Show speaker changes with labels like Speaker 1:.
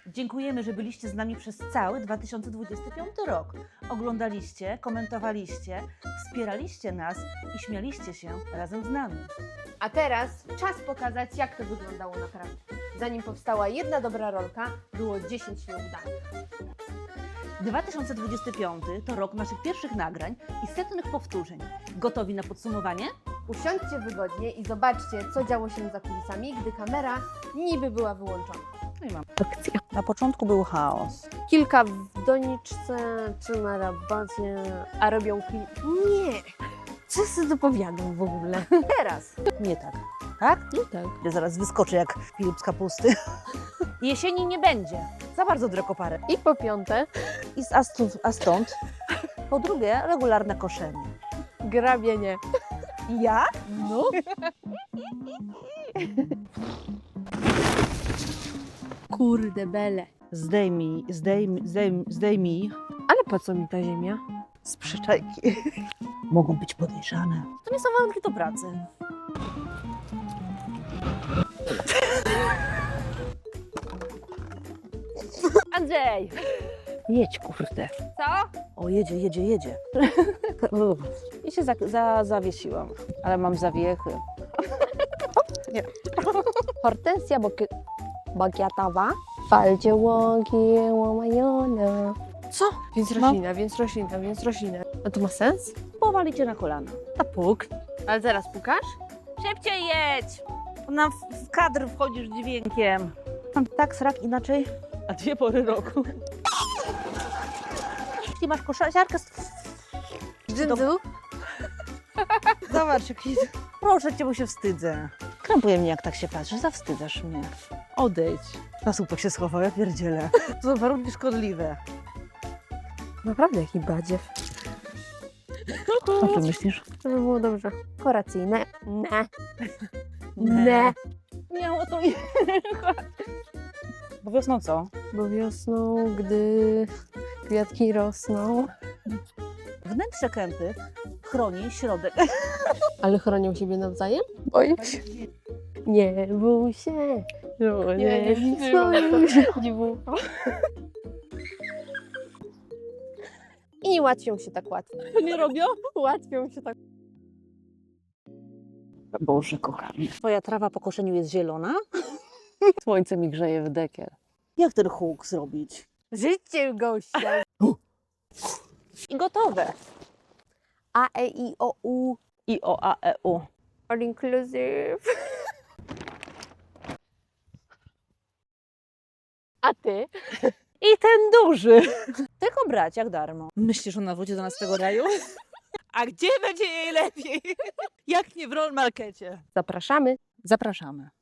Speaker 1: Dziękujemy, że byliście z nami przez cały 2025 rok. Oglądaliście, komentowaliście, wspieraliście nas i śmialiście się razem z nami.
Speaker 2: A teraz czas pokazać, jak to wyglądało naprawdę. Zanim powstała jedna dobra rolka, było 10 nieudanych.
Speaker 1: 2025 to rok naszych pierwszych nagrań i setnych powtórzeń. Gotowi na podsumowanie?
Speaker 2: Usiądźcie wygodnie i zobaczcie, co działo się za kulisami, gdy kamera niby była wyłączona.
Speaker 1: No i mam.
Speaker 2: Akcja.
Speaker 1: Na początku był chaos.
Speaker 2: Kilka w doniczce czy na rabacie, a robią klip. Nie! Co sobie dopowiadam w ogóle? Teraz.
Speaker 1: Nie tak. Tak?
Speaker 2: Nie tak.
Speaker 1: Ja zaraz wyskoczę jak Filip z kapusty. Jesieni nie będzie. Za bardzo drekoparę.
Speaker 2: I po piąte,
Speaker 1: A stąd? Po drugie, regularne koszenie.
Speaker 2: grabienie.
Speaker 1: Ja?
Speaker 2: No. Kurde bele.
Speaker 1: Zdejmij
Speaker 2: Ale po co mi ta ziemia?
Speaker 1: z przyczajki. Mogą być podejrzane. To nie są warunki do pracy. Andrzej! Jedź, kurde.
Speaker 2: Co?
Speaker 1: O, jedzie. I się zawiesiłam, ale mam zawiechy.
Speaker 2: Hortensja bagiatowa. Falcie łoki, łomajona.
Speaker 1: Co?
Speaker 2: Więc roślina. A to ma sens?
Speaker 1: Powalicie na kolana. A puk.
Speaker 2: Ale zaraz pukasz?
Speaker 1: Szybciej jedź! Ona w kadr wchodzisz dźwiękiem. Tak, srak inaczej. A 2 pory roku. Jeśli masz koszarkę,
Speaker 2: Dżindzu?
Speaker 1: zobacz jaki... Proszę cię, bo się wstydzę. Krępuje mnie, jak tak się patrzysz. Zawstydzasz mnie. Odejdź. Na słupek się schował, ja pierdzielę. To są warunki szkodliwe.
Speaker 2: Naprawdę jaki badziew.
Speaker 1: Co ty myślisz?
Speaker 2: Żeby było dobrze. Koracyjne. Ne.
Speaker 1: Nie, o to Bo wiosną co?
Speaker 2: Bo wiosną, gdy kwiatki rosną.
Speaker 1: Wnętrze kępy chroni środek.
Speaker 2: Ale chronią siebie nawzajem? Boję się. Nie bój się. Nie bój. I nie łatwią się tak łatwo.
Speaker 1: To nie robią?
Speaker 2: Łatwią się tak.
Speaker 1: Boże, kochanie. Twoja trawa po koszeniu jest zielona?
Speaker 2: Słońce mi grzeje w dekiel.
Speaker 1: Jak ten huk zrobić?
Speaker 2: Życie gościa.
Speaker 1: I gotowe.
Speaker 2: A, E, I, O, U.
Speaker 1: I o, a, e, u.
Speaker 2: All inclusive. A ty?
Speaker 1: I ten duży. Tylko brać jak darmo. Myślisz, ona wróci do nas z tego raju? A gdzie będzie jej lepiej? Jak nie w Roll Markecie?
Speaker 2: Zapraszamy.
Speaker 1: Zapraszamy.